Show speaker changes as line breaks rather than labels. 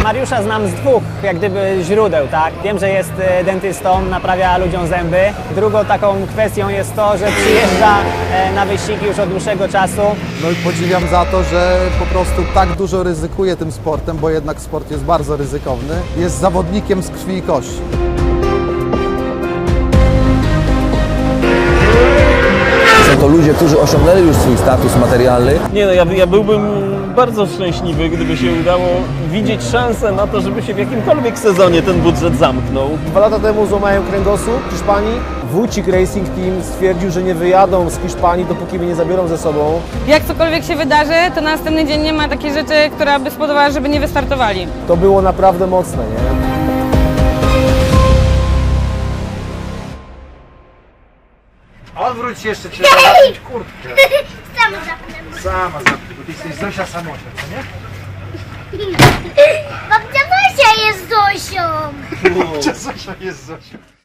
Mariusza znam z dwóch jak gdyby źródeł, tak? Wiem, że jest dentystą, naprawia ludziom zęby. Drugą taką kwestią jest to, że przyjeżdża na wyścigi już od dłuższego czasu.
No i podziwiam za to, że po prostu tak dużo ryzykuje tym sportem, bo jednak sport jest bardzo ryzykowny. Jest zawodnikiem z krwi i kości.
Są to ludzie, którzy osiągnęli już swój status materialny.
Nie no, ja byłbym bardzo szczęśliwy, gdyby się udało widzieć szansę na to, żeby się w jakimkolwiek sezonie ten budżet zamknął.
2 lata temu złamałem kręgosłup w Hiszpanii. Wójcik Racing Team stwierdził, że nie wyjadą z Hiszpanii, dopóki mnie nie zabiorą ze sobą.
Jak cokolwiek się wydarzy, to na następny dzień nie ma takiej rzeczy, która by spowodowała, żeby nie wystartowali.
To było naprawdę mocne, nie?
Odwróć się jeszcze, trzeba zapiąć kurtkę.
Sama zapnę.
Sama zapiąć, bo ty jesteś Zosia Samosia, co nie?
Babcia Zosia jest Zosią.
Zosia jest Zosią.